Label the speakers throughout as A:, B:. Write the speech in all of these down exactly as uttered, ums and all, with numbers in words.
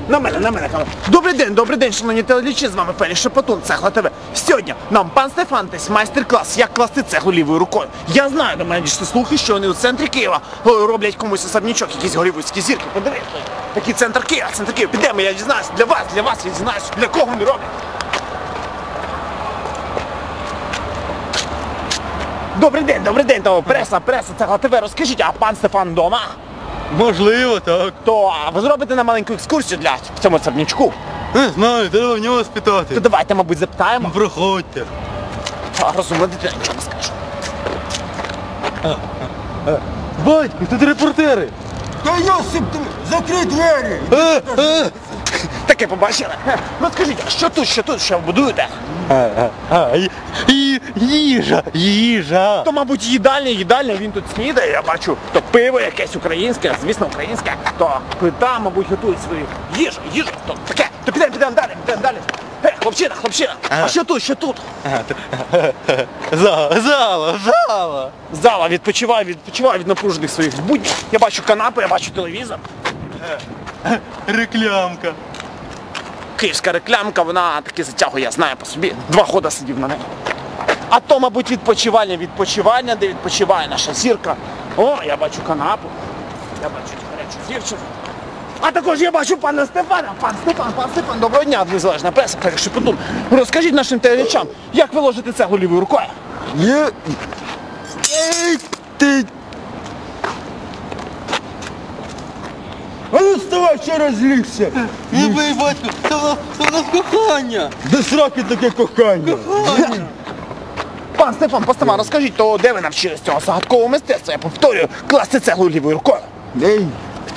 A: На мене, на мене камера. Добрий день, добрий день, шановні телеглядачі, з вами Фелі Шепетун, Цегла ТВ. Сьогодні нам пан Стефан дасть майстер-клас, як класти цеглу лівою рукою. Я знаю, до мене дійшли слухи, що вони у центрі Києва роблять комусь особнячок, якісь голівудські зірки. Подивіться, такий центр Києва, центр Києва. Підемо, я дізнаюсь, для вас, для вас, я дізнаюсь, для кого вони роблять. Добрий день, добрий день, то преса, преса, Цегла ТВ. Розкажіть, а пан Стефан вдома?
B: Можливо, так.
A: То а ви зробите нам маленьку екскурсію для цьому особнячку?
B: Не знаю, треба в нього спитати.
A: То давайте, мабуть, запитаємо.
B: Проходьте.
A: А, розумна дитина, нічого не скажу.
B: Батько, тут репортери.
C: Та Йосип, закрий двері!
B: А, а.
A: Таке побачили. Ну скажіть, а що тут, що тут, що будуєте?
B: А, а, ї- ї- їжа, їжа.
A: То, мабуть, їдальня, їдальня, він тут снідає, я бачу, то пиво якесь українське, звісно, українське, то плита, мабуть, готують свою їжу, їжу, то таке, то підемо, підемо далі, підемо далі. Е, хлопчина, хлопчина, а що тут, що тут?
B: Зала, зала, зала.
A: Зала відпочиває, відпочиває від напружених своїх буднів. Я бачу канапи, я бачу телевізор.
B: Реклямка.
A: Київська реклямка, вона таки затягує, я знаю по собі. Два хода сидів на неї. А то, мабуть, відпочивання, відпочивання, де відпочиває наша зірка. О, я бачу канапу, я бачу гарячу дівчину. А також я бачу пана Стефана. Пан Стефан, пан Стефан, доброго дня, незалежна преса, Фелі Шепетун. Розкажіть нашим телеглядачам, як ви ложите цеглу лівою рукою?
C: Є... Ей, ти... А ну вставай, ще розлігся!
B: Не бий, батько, це в нас, це в нас кохання.
C: До сраки таке кохання!
B: Кохання.
A: Пан Стефан, пан Стефан, розкажіть, то де ви навчились цього загадкового мистецтва? Я повторюю, класти цеглу лівою рукою.
C: Ей!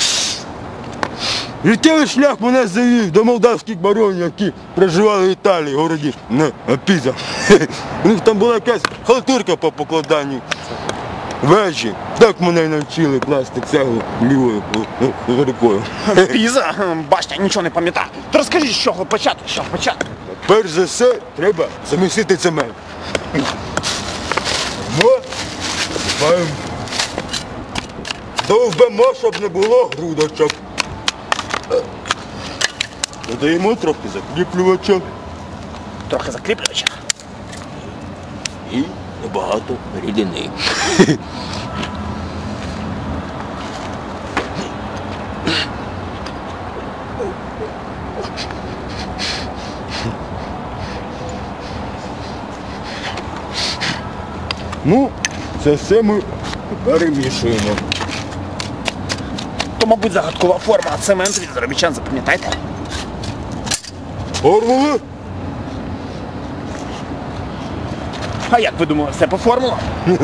C: Життєвий шлях мене завів до молдавських баронів, які проживали в Італії, в городі не, Піза. У них там була якась халтурка по покладанню вежі. Так мене й навчили класти цеглу лівою рукою.
A: Піза, бачите, я нічого не пам'ятаю. То розкажіть, з чого почати, з чого почати?
C: Перш за все, треба замісити цемент. Ми маємо. Довбемо, щоб не було грудочок. Додаємо трохи закріплювача
A: Трохи закріплювача.
C: і небагато рідини. Ну, це все ми перемішуємо.
A: То, мабуть, загадкова форма, а цемент від заробітчан, запам'ятайте.
C: Формули?
A: А як ви думали, все по формулам?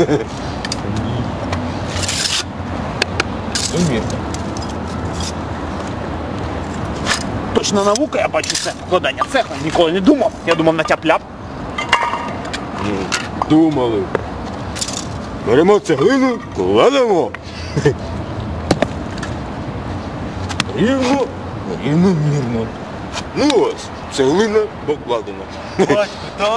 A: Точно наука, я бачу це покладання цеху. Ніколи не думав. Я думав на тяп-ляп.
C: Думали. Беремо цеглину, кладемо. Рівно, рівномірно. Ну ось, цеглина покладена.
B: Батько, так?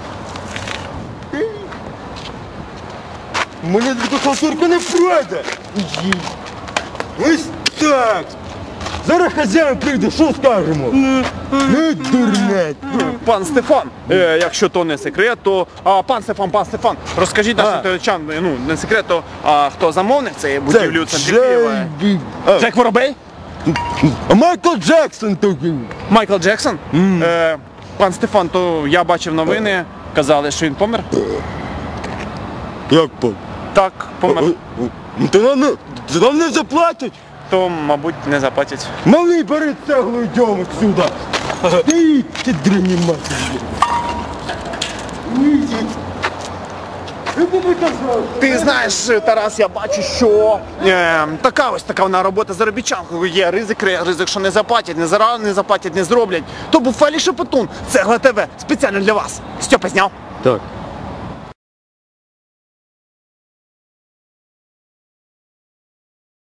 C: У мене така халтурка не пройде. Ось так. Зараз хазяїн прийде, що скажемо? Не дурнеть.
A: Пан Стефан, е, якщо то не секрет, то а, пан Стефан, пан Стефан, розкажіть нашим
C: А.
A: телеглядачам, ну не секрет, то а, хто замовник цієї будівлі у центрі Києва?
C: Джей... А,
A: Джек Воробей?
C: а Майкл Джексон такий.
A: Майкл Джексон? Е, пан Стефан, то я бачив новини, казали, що він помер.
C: Як по?
A: Так, помер.
C: Ну, то нам не, то нам не заплатять.
A: То, мабуть, не заплатять.
C: Малий, бери цеглу, йдемо сюди. Ти, ти дрені матері.
A: Ти знаєш, Тарас, я бачу, що е, така ось така вона робота заробітчанкою. Є ризик, ризик, що не заплатять, не зараз не заплатять, не зроблять. То був Фелі Шепетун, Цегла ТВ, спеціально для вас. Стьопа зняв.
C: Так.